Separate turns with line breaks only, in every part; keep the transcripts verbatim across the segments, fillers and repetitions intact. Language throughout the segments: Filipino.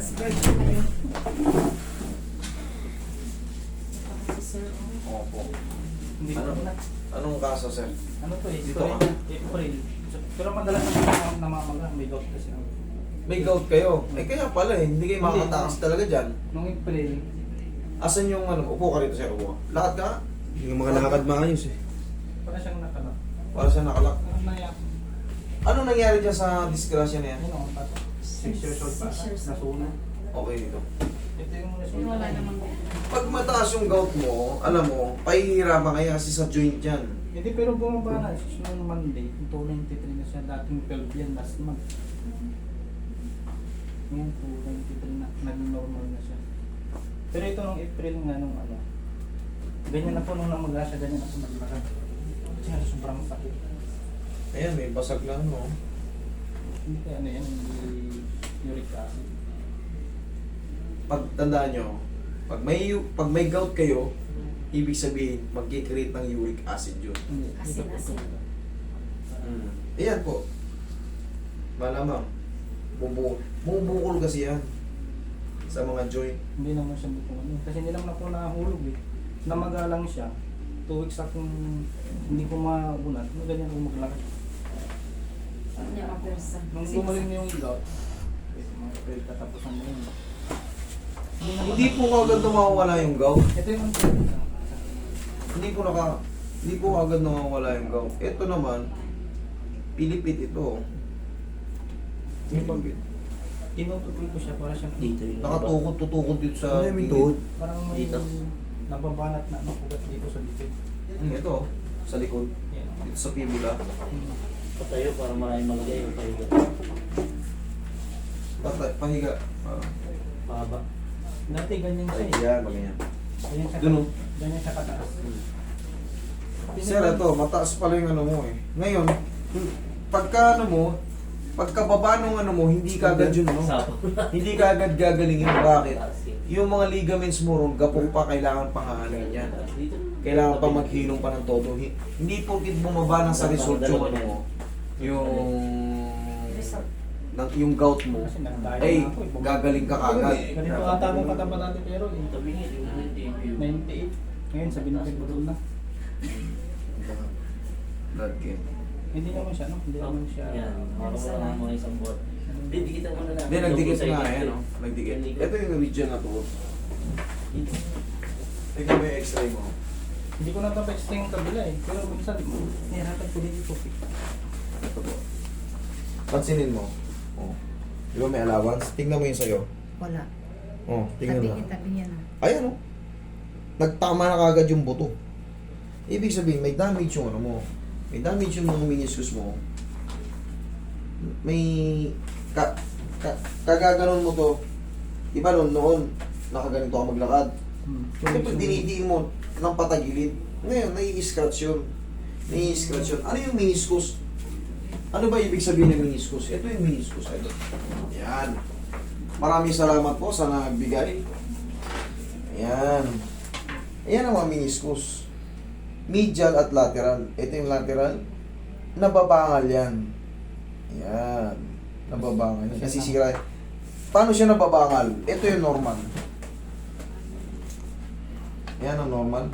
Advance birthday kayo. Si Sir, oh.
Opo.
Hindi ko
Ano?
na.
Anong kaso, sir?
Ano to eh?
Dito
April.
ka.
April. So, pero madalas na namamaga. May gout kasi ako.
May gout kayo. Eh kaya pala eh, hindi kayo makakatakas talaga dyan.
Nung April,
Asan yung ano? Upo ka rito, sir. Upo ka. Lahat ka?
Hindi ka makalakad maayos eh.
para siyang nakalak.
Para siya nakalak.
Ano na yan?
Ano nangyari dyan sa disgrasya na yan?
Ano ang pato? Six years old pa.
Six years old.
Nasunog.
Okay dito.
Ito yung
Pero
resulta.
wala namang
Pag mataas yung gout mo, alam mo, pahihirapan kaya kasi sa joint yan.
Hindi, pero bumaba na. Noong Monday, two ninety-three na siya. Dating twelve yan last month. Ngayon, two ninety-three na. Naging normal na siya. Pero ito nung April nga nung ano. Ganyan na po nung namaga siya, ganyan ako maglakad. Siya sobrang sakit.
Ayan, may basag lang, no?
Hindi kaya ano yan, hindi uric acid.
Pag tandaan nyo, pag may, pag may gout kayo, ibig sabihin, mag-create ng uric acid yun.
Hindi,
Asin,
dito po
asin.
ito.
Mm. Ayan po. Malamang. Bumbu bumubukol kasi yan sa mga joint.
Hindi naman siya bukong ano. Kasi hindi naman ako nahulog eh. Namaga lang siya. Two weeks akong hindi ko mabunat. Ano ganyan ako maglakad.
niya mapersa.
Nung gumaling na yung gout, eh, mga April katapusan mo yun. Hindi naman-
Hindi po agad nawawala yung gout.
Ito yung ano.
Hindi po naka hindi po agad nawawala yung gout. Ito naman, pilipit ito. Pilipit.
Tinutupil ko siya para siyang
Dito yun.
Nakatukot, tutukot dito sa
Ano yung tuhod?
parang may
Dito?
nababanat na nakugat dito sa dito.
Hmm, ito, sa likod.
Yan.
Dito sa fibula.
Hmm.
Patayo para maraming malagay yung pahiga.
Patay, pahiga. Ah.
Pahaba.
Dati ganyan siya
Ay,
eh.
yan, ganyan.
Ganyan siya,
Dun, oh.
ganyan siya kataas.
Sir, ito, mataas pala yung ano mo eh. Ngayon, pagka ano mo, pagkababa nung ano mo, hindi ka agad yun, no? Hindi ka agad gagalingin. Bakit? Yung mga ligaments mo ron, gapong pa, kailangan pang aanin yan. Kailangan pa maghilom pa ng todo. Hi- Hindi porkit bumaba na sa result yung ano mo, yung,
Result.
ng, yung gout mo,
Kasi nagdaya
ay,
na ako eh.
gagaling ka kagad.
Ganito ata akong kataba natin pero eh. ninety-eight. Ngayon sabi natin budol na.
Blood game.
Hindi naman siya, no? Hindi naman siya.
Yan, makakawala na mga isang buwan. Didikitan ko na lang.
Hindi, nagdikit
Double
nga,
sided.
eh, no? Nagdikit. Ito yung region na to. Tingnan mo yung x-ray mo.
Hindi ko na tapos yung kabila eh. Pero minsan, nihirapan ko din ito.
Ito po. Pansinin mo. Oh. Di ba may allowance? Tingnan mo yung sa'yo.
Wala.
Oh, tingnan
Tabi
mo.
niya, tabi niya na.
Ayan oh. Nagtama na kagad yung buto. Ibig sabihin, may damage yung ano mo. May damage yung mga meniscus mo. May... Ka, ka, kagaganon mo to. Di ba noon, noon, nakaganito ka maglakad.
Hmm.
Siyempre, dinidiin mo ng patagilid. Ngayon, nai-scratch yun. Nai-scratch yun. Ano yung meniscus? Ano ba ibig sabihin ng meniscus? Ito yung meniscus. Ito. Yan. Maraming salamat po sa nagbigay. Ayan. Ayan ang mga meniscus. Medial at lateral. Ito yung lateral. Nababangal yan. Ayan. Nababangal yan. Nasisira. Paano siya nababangal? Ito yung normal. Ayan ang normal.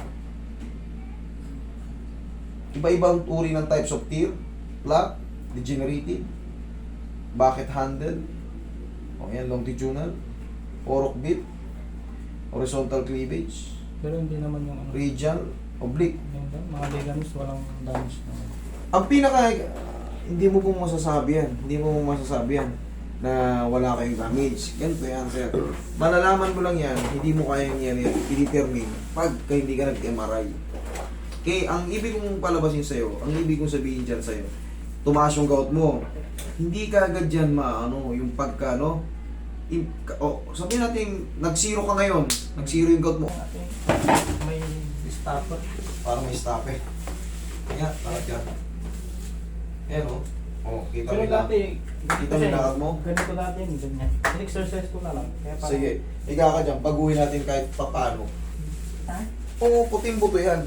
Iba-ibang uri ng types of tear. Plaque, degenerative, bucket handle, o yan, longitudinal, fork bit, horizontal cleavage,
Pero hindi naman yung ano.
radial, oblique.
Yung mga ligaments walang damage naman.
Ang pinaka, hindi mo pong masasabi yan, hindi mo pong masasabi yan na wala kayong damage. Ganito yan, sir. Malalaman mo lang yan, hindi mo kayang yan, yan i-determine pag hindi ka nag-M R I. Okay, ang ibig kong palabasin sa'yo, ang ibig kong sabihin dyan sa'yo, tumaas yung gout mo, hindi ka agad dyan maano, yung pagka, no? I, oh, sabihin natin, nag-zero ka ngayon, nag-zero yung gout mo.
Ate, may stopper.
Parang may stop eh. Kaya, takot yan. Ayan o. Oh, kita
Pero
mo lang.
dati,
Kita mo yung lakad mo?
ganito dati yun, ganyan. In-exercise ko na lang. Kaya parang,
Sige, higa ka dyan, baguhin natin kahit papano.
Ha?
Oo, puting buto yan.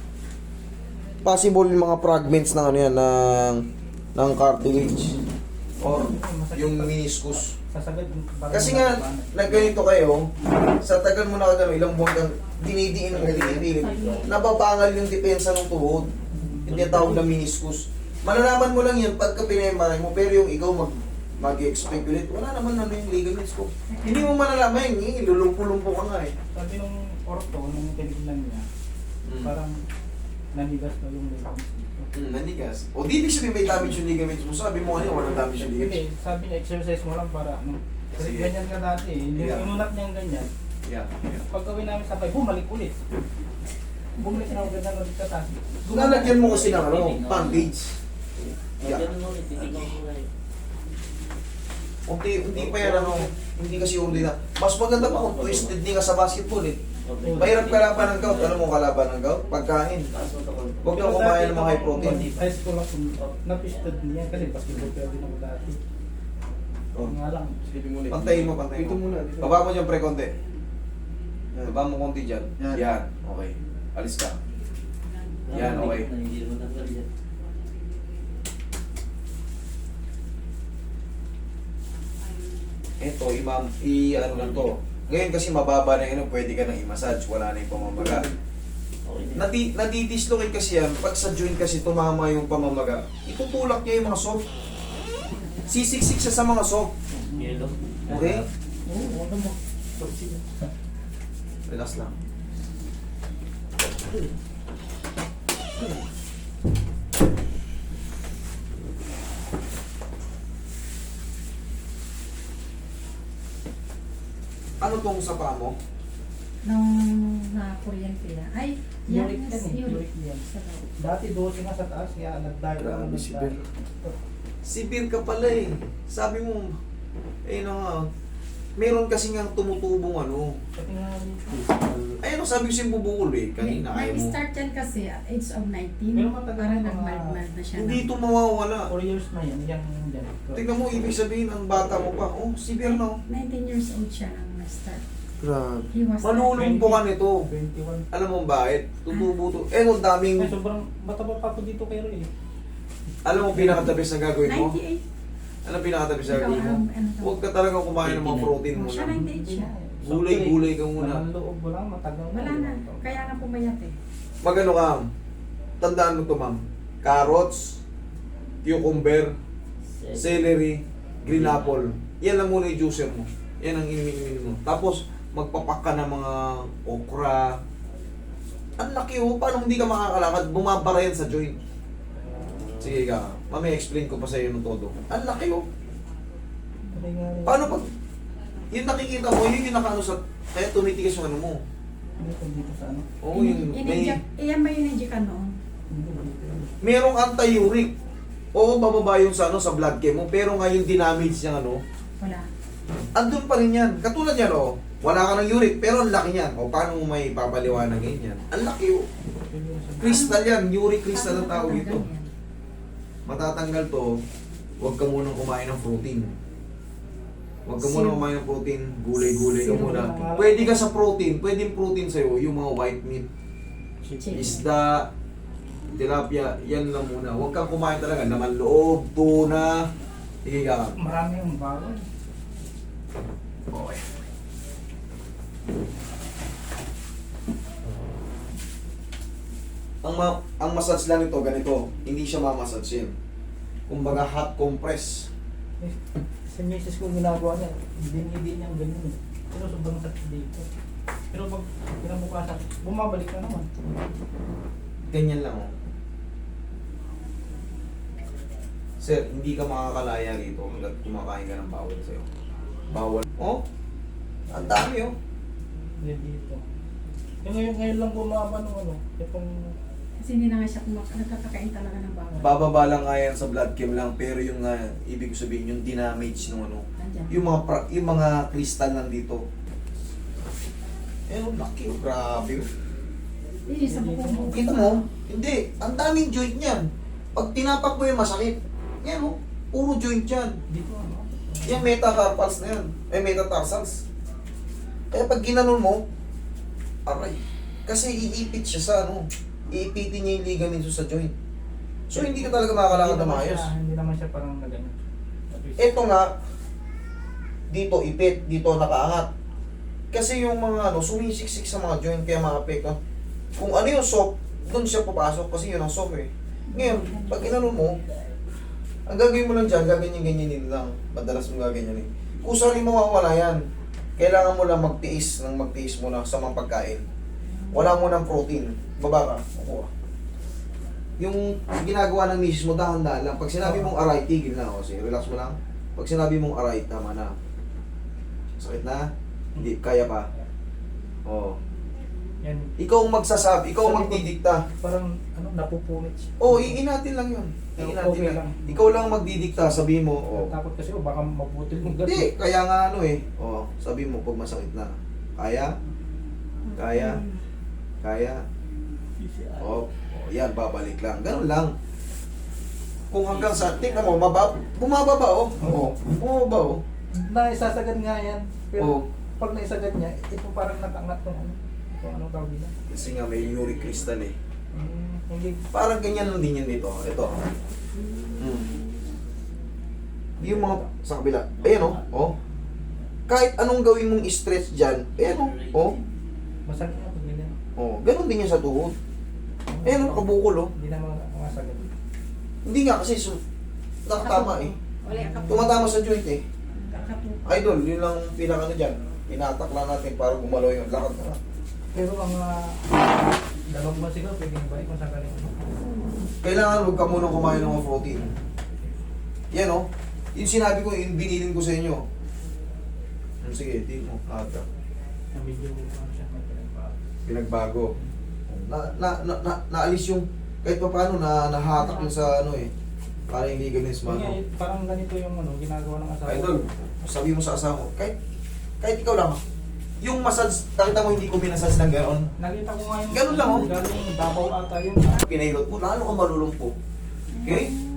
Possible yung mga fragments ng ano yan, ng, ng cartilage. or
Masakit
yung
pa.
meniscus.
Sasagad. parang
Kasi nga,
matabanan.
nagganito kayo, sa tagal mo na kagano, ilang buwan kang dinidiin ng dinidiin, nababangal yung depensa ng tuhod. Hindi tawag na meniscus. Malalaman mo lang yan pagka pinemaray mo, pero yung ikaw mag mag-expect ulit, wala naman ano yung ligaments ko. Hindi mo malalaman yun, eh, lulumpo-lumpo ka nga eh.
Sabi nung orto, nung tinignan niya,
Mm.
parang nanigas na yung ligaments dito.
Mm, nanigas. O di ibig sabihin may damage yung ligaments mo. Sabi mo kanina, walang damage yung ligaments.
Hindi, sabi niya, exercise mo lang para ano. Kasi
Sige.
ganyan ka dati eh. Yung
Yeah.
inunat niya yung ganyan.
Yeah, yeah.
Pag gawin namin sabay, bumalik ulit. Bumalik na ulit na ulit ka taas.
Lalagyan mo kasi ng ano, bandage.
Yeah. Ganun ulit, titignan ko na yun.
Unti, unti pa yan ano, hindi kasi ordina. Mas maganda pa kung twisted din ka sa basketball eh.
Okay.
Mahirap kalaban ng gout. Alam mo kalaban ng gout? Pagkain.
Taas mo ito, konti.
Huwag kang kumain ng mga high protein.
High school ako, napistod niya kasi basketball player din ako dati.
Oh.
Nga lang.
Pantayin mo, pantayin mo. Baba mo dyan pre, konti. Baba mo konti dyan.
Yan.
Yan, okay. Alis ka. Yan, okay.
Hindi naman tanggal yan.
Ito, imam, i ano lang to. Ngayon kasi mababa na yun, pwede ka nang i-massage, wala na yung pamamaga.
Okay na.
Nadi, nadidislocate kasi yan, pag sa joint kasi tumama yung pamamaga, itutulak niya yung mga soft. Sisiksik siya sa mga soft.
Yellow.
Okay?
Oo, ano mo.
Relax lang. Ano tong sa paa mo?
Nung na-kuryente na. Ay, yan.
Uric yan eh,
Uric.
uric yan.
Sa loob.
Dati dosi nga sa taas, kaya nag-dive ako
Grabe,
nag-dive.
si Ben. Sibir ka pala eh. Sabi mo, eh no nga, meron kasi nga tumutubong ano.
Pati nga dito.
Ayun, sabi ko siyang bubukol eh. Kanina ayaw mo.
Nag-start yan kasi at age of nineteen.
Pero matagal
Parang
na mga-
nag-mild-mild na siya.
Hindi
na.
ito mawawala.
four years na yan, yan dyan.
Tingnan mo, ibig sabihin, ang bata mo pa. Oh, severe no.
nineteen years old siya nang na-start.
Grabe.
He was
Malulumpo ka nito.
twenty-one.
Alam mo bakit? Tutubo to. Eh, no, daming...
Ay, sobrang mataba pa ako dito kay Roy. eh.
Alam mo, pinakatabis na gagawin mo?
ninety-eight.
Ano pinakatabis na
Ikaw,
gagawin mo?
um, ano to?
Huwag ka talaga kumain ng mga protein mo
Siya
na.
ninety-eight siya.
Gulay-gulay ka muna.
Laman loob mo lang, matagal
Wala na. Kaya nga pumayat eh.
Magano ka? Tandaan mo to, ma'am. Carrots, cucumber, celery, green apple. Yan lang muna yung juicer mo. Yan ang inimin mo. Tapos, magpapak ka ng mga okra. Ang laki oh. Paano hindi ka makakalakad? Bumabara yan sa joint. Sige ka. Mamaya explain ko pa sa iyo ng todo. Ang laki oh. Paano pag... Yung nakikita mo, yun yung nakaano sa... Kaya tumitigas yung ano mo.
Dito, dito sa ano?
Oo, yung... May,
Ininject, iyan ba yung ininject ka noon?
Hindi, dito.
merong anti-uric. Oo, bababa yung sa, ano, sa blood chem mo. Pero nga yung dinamage niya, ano,
Wala.
andun pa rin yan. Katulad yan, oh. Wala ka ng uric, pero ang laki niyan. O, paano mo may papaliwanag yan? Ang laki, oh. Crystal yan. Uric crystal ang tawag ito. Matatanggal to, huwag ka munang kumain ng protein. Huwag ka munang kumain ng protein, gulay-gulay ka
Sino
muna.
ba ang-
Pwede ka sa protein, pwedeng protein sa'yo, yung mga white meat,
Chicken.
isda, tilapia, yan lang muna. Huwag kang kumain talaga, naman loob, tuna, sige ka.
Marami yung bawal.
Okay. Ang ma ang massage lang ito ganito, hindi siya mamassage yan. Kumbaga hot compress.
Eh, Sa misis ko ginagawa niya, dinidi niya ganyan eh. Pero sobrang sakit dito. Pero pag kinabukasan, bumabalik na naman.
Ganyan lang oh. Sir, hindi ka makakalaya rito hanggat kumakain ka ng bawal sa'yo. Bawal. Oh, ang dami oh.
Hindi dito. Yung ngayon, ngayon lang bumaba nung ano, itong
Kasi hindi na nga siya kumak- nagkakakain talaga ng bawal.
Bababa lang nga yan sa blood chem lang, pero yung nga, ibig sabihin, yung dinamage nung ano,
Nandyan.
yung mga pra- yung mga crystal nandito. Eh, ang laki, oh, grabe. oh.
Eh, sa buko mo.
Kita mo? Hindi, ang daming joint niyan. Pag tinapak mo yung masakit, yan oh, puro joint yan.
dito ano.
Yan metacarpals na yan. Eh, metatarsals. Kaya pag ginanon mo, aray. Kasi iipit siya sa ano, iipitin niya yung ligaments sa joint. So, hindi ka talaga makakalakad na
Hindi naman
maayos.
siya- Hindi naman siya parang nagano. At least
Ito nga, dito ipit, dito nakaangat. Kasi yung mga ano, sumisiksik sa mga joint kaya maapekto. Kung ano yung soft, doon siya papasok kasi yun ang soft eh. Ngayon, pag inano mo, ang gagawin mo lang dyan, gaganyan-ganyanin lang. Madalas mo gaganyanin. Kung saan mawawala yan, kailangan mo lang magtiis ng magtiis mo na sa mga pagkain. Wala mo ng protein. Baba ka. Kukuha. Yung ginagawa ng misis mo, dahan-dahan lang. Pag sinabi mong aray, tigil na. O, sige, relax mo lang. Pag sinabi mong aray, tama na. Sakit na? Hindi, kaya pa. Oo.
Yan.
Ikaw ang magsasabi, ikaw ang
Sabi ko,
magdidikta.
Parang ano, napupunit siya.
Oo, oh, iinatin lang yun. Iinatin
Okay
lang.
lang.
Ikaw lang magdidikta, sabi mo, oh.
Takot kasi, oh, baka mabutil yung gas.
Hindi, kaya nga ano eh. Oh, sabi mo pag masakit na. Kaya? Kaya? Kaya? Oh, oh yan, babalik lang. Ganun lang. Kung hanggang sa, tingnan mo, mababa, bumababa oh. Oo, bumababa oh.
Naisasagad nga yan. Pero
Oo.
pag naisagad niya, ito parang nakangat ng ano. Ito anong tawag nila?
Kasi nga may uric crystal eh.
Hmm, hindi.
Parang ganyan lang din yan dito. Ito. Mm. Yung mga sa kabila. Ayan oh. Oh. Kahit anong gawin mong stretch dyan. Ayan oh. Oh.
Masakit na pag ganyan.
Oh. Ganon din yan sa tuhod. Ayan oh. Kabukol oh.
Hindi na mga masagad.
Hindi nga kasi so, nakatama eh.
Wala ka po.
Tumatama sa joint eh.
Kakapupa.
Idol, yun lang pinaka ano dyan. Pinatak lang natin para gumalaw yung lakad na.
Pero ang uh, dalawang buwan siguro, pwedeng balik kung saan ka rin.
Kailangan huwag ka munang kumain ng mga protein. Yan oh. Yung sinabi ko, yung binilin ko sa inyo. Hmm, sige, di mo. Aga.
Na medyo ano siya, may pinagbago.
Pinagbago. Na, na, na, na, naalis yung, kahit pa paano, na, nahatak yung sa ano eh. Para hindi gamis
Yun nga,
mano.
eh, parang ganito yung ano, ginagawa ng asawa.
Idol, sabi mo sa asawa mo, kahit, kahit ikaw lang, yung massage, nakita mo hindi ko minasage ng gano'n.
Nakita ko nga yung...
Ganun lang, oh.
Galing Davao ata yun.
Pinailot mo, lalo ka malulumpo. Okay?